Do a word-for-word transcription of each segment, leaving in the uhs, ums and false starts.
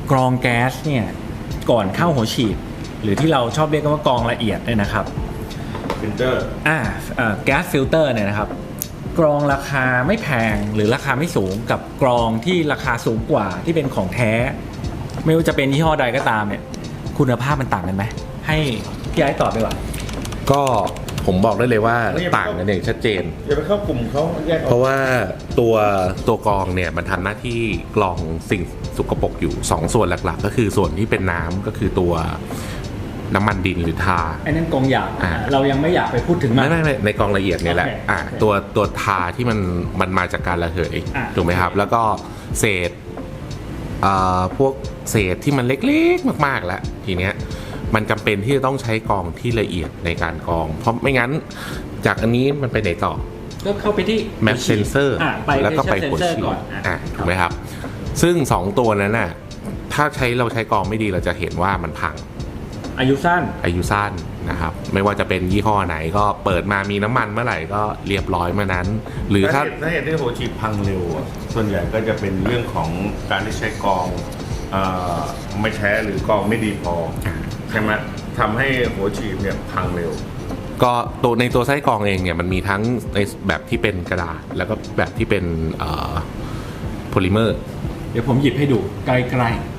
กรองแก๊สเนี่ยก่อนเข้าหัวฉีดหรือที่เราชอบเรียกกันว่ากรองละเอียดเนี่ยนะครับฟิลเตอร์อ่าแก๊สฟิลเตอร์เนี่ยนะครับกรองราคาไม่แพงหรือราคาไม่สูงกับกรองที่ราคาสูงกว่าที่เป็นของแท้ไม่ว่าจะเป็นยี่ห้อใดก็ตามเนี่ยคุณภาพมันต่างกันไหมให้พี่ไอ้ตอบดีกว่าก็ผมบอกได้เลยว่าต่างกันอย่างชัดเจนอย่าไปเข้ากลุ่มเขาแยกออกเพราะว่าตัวตัวกรองเนี่ยมันทำหน้าที่กรองสิ่งสกปรกอยู่สองส่วนหลักๆก็คือส่วนที่เป็นน้ำก็คือตัวน้ำมันดินหรือทาอันนั้นกรองหยาบเรายังไม่อยากไปพูดถึงมันไม่ไม่ในกรองละเอียดเนี่ยแหละอ่าตัวตัวทาที่มันมันมาจากการระเหยถูกไหมครับแล้วก็เศษอ่าพวกเศษที่มันเล็กๆมากๆแล้วทีเนี้ยมันจำเป็นที่จะต้องใช้กรองที่ละเอียดในการกรองเพราะไม่งั้นจากอันนี้มันไปไหนต่อก็เข้าไปที่แมปเซนเซอร์แล้วก็ไปหัวฉีดอ่ะถูกไหมครับซึ่งสองตัวนั้นน่ะถ้าใช้เราใช้กรองไม่ดีเราจะเห็นว่ามันพังอายุสั้นอายุสั้นนะครับไม่ว่าจะเป็นยี่ห้อไหนก็เปิดมามีน้ำมันเมื่อไหร่ก็เรียบร้อยเมื่อนั้นหรือถ้าถ้าเหตุที่หัวฉีดพังเร็วส่วนใหญ่ก็จะเป็นเรื่องของการที่ใช้กรองไม่แท้หรือกรองไม่ดีพอใช่ไหมทำให้หัวฉีดเนี่ยพังเร็วก็ตัวในตัวไส้กรองเองเนี่ยมันมีทั้งในแบบที่เป็นกระดาษแล้วก็แบบที่เป็นโพลิเมอร์เดี๋ยวผมหยิบให้ดูใกล้ๆ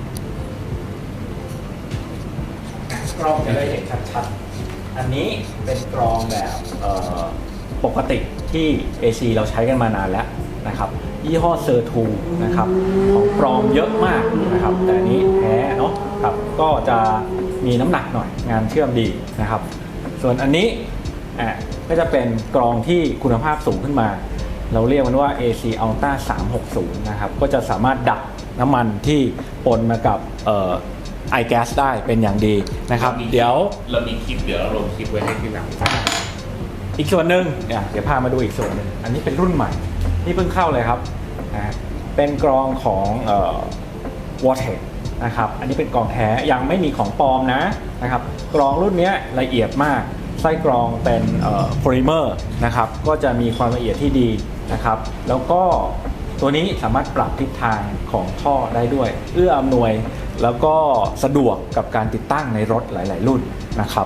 กรองจะได้เห็นชัดๆอันนี้เป็นกรองแบบปกติที่ เอ ซี เราใช้กันมานานแล้วนะครับยี่ห้อเซอร์ทูนะครับของปลอมเยอะมากนะครับแต่อันนี้แท้เนาะครับก็จะมีน้ำหนักหน่อยงานเชื่อมดีนะครับส่วนอันนี้อ่ะก็จะเป็นกรองที่คุณภาพสูงขึ้นมาเราเรียกมันว่า เอ ซี Ultra สามหกศูนย์นะครับก็จะสามารถดักน้ำมันที่ปนมากับเอ่อไอแก๊สได้เป็นอย่างดีนะครับเดี๋ยวเรามีคลิปเดี๋ยวเราลงคลิปไว้ให้ที่หลังอีกส่วนหนึ่งเนี่ยเดี๋ยวพามาดูอีกส่วนหนึ่งอันนี้เป็นรุ่นใหม่ที่เพิ่งเข้าเลยครับนะเป็นกรองของเอ่อ Vortex นะครับอันนี้เป็นกรองแท้ยังไม่มีของปลอมนะนะครับกรองรุ่นนี้ละเอียดมากไส้กรองเป็นโพลิเมอร์นะครับก็จะมีความละเอียดที่ดีนะครับแล้วก็ตัวนี้สามารถปรับทิศทางของท่อได้ด้วยเอื้ออำนวยแล้วก็สะดวกกับการติดตั้งในรถหลายๆรุ่นนะครับ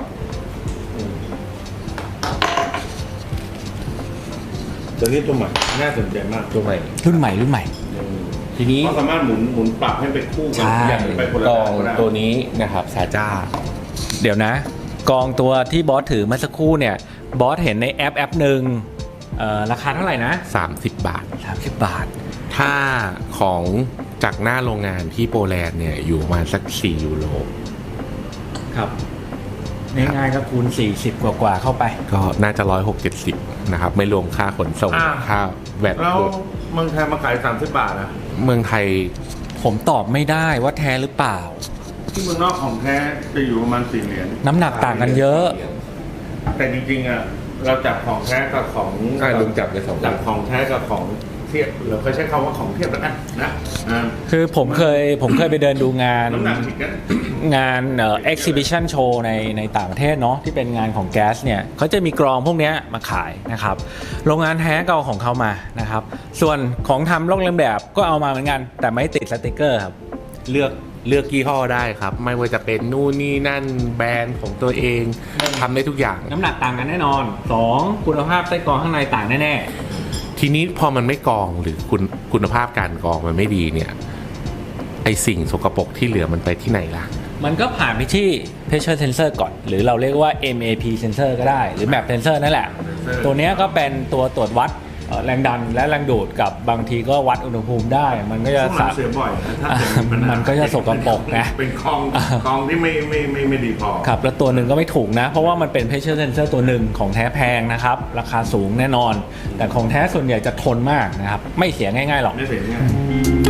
ตัวนี้ตัวใหม่น่าสนใจมากตัวใหม่รุ่นใหม่รุ่นใหม่ทีนี้ก็สามารถหมุนหมุนปรับให้เป็นคู่กันอย่างไปคนละกองตัวนี้นะครับซาจ้าเดี๋ยวนะกองตัวที่บอสถือเมื่อสักครู่เนี่ยบอสเห็นในแอปแอปหนึ่งราคาเท่าไหร่นะสามสิบบาทสามสิบบาทถ้าของจากหน้าโรงงานที่โปแลนด์เนี่ยอยู่มาสักสี่ยูโรครับง่ายๆก็คูณสี่สิบกว่าๆเข้าไปก็น่าจะหนึ่งร้อยหกสิบ เจ็ดสิบนะครับไม่รวมค่าขนส่งค่าแวตแล้วเมืองไทยมาขายสามสิบบาทนะเมืองไทยผมตอบไม่ได้ว่าแท้หรือเปล่าที่เมืองนอกของแท้จะอยู่ประมาณสี่เหรียญน้ำหนักต่างกันเยอะแต่จริงๆอ่ะเราจับของแท้กับของใช่ลุงจับในสองจับของแท้กับของเทียบเราเคยใช้คำว่าของเทียบแล้วกันนะคือผมเคยผมเคยไปเดินดูงานงานเอ่อ exhibition show ในในต่างประเทศเนาะที่เป็นงานของแก๊สเนี่ยเขาจะมีกรองพวกนี้มาขายนะครับโรงงานแท้ก็เอาของเขามานะครับส่วนของทำลอกเลียนแบบก็เอามาเหมือนกันแต่ไม่ติดสติกเกอร์ครับเลือกเลือกยี่ห้อได้ครับไม่ว่าจะเป็นนู่นนี่นั่นแบรนด์ของตัวเองทำได้ทุกอย่างน้ำหนักต่างกันแน่นอนสองคุณภาพไส้กรองข้างในต่างแน่ๆทีนี้พอมันไม่กรองหรือคุณคุณภาพการกรองมันไม่ดีเนี่ยไอสิ่งสกปรกที่เหลือมันไปที่ไหนล่ะมันก็ผ่านไปที่ pressure sensor ก่อนหรือเราเรียกว่า เอ็ม เอ พี sensor ก็ได้หรือ map sensor นั่นแหละตัวนี้ก็เป็นตัวตรวจวัดแรงดันและแรงดูดกับบางทีก็วัดอุณหภูมิได้มันก็จะเสียบ่อยมันก็จะสกปรกนะเป็นคลองคลองที่ไม่ไม่ไม่ไม่ดีพอครับแล้วตัวหนึ่งก็ไม่ถูกนะเพราะว่ามันเป็น pressure sensor ตัวหนึ่งของแท้แพงนะครับราคาสูงแน่นอนแต่ของแท้ส่วนใหญ่จะทนมากนะครับไม่เสียง่ายๆหรอกไม่เสียง่าย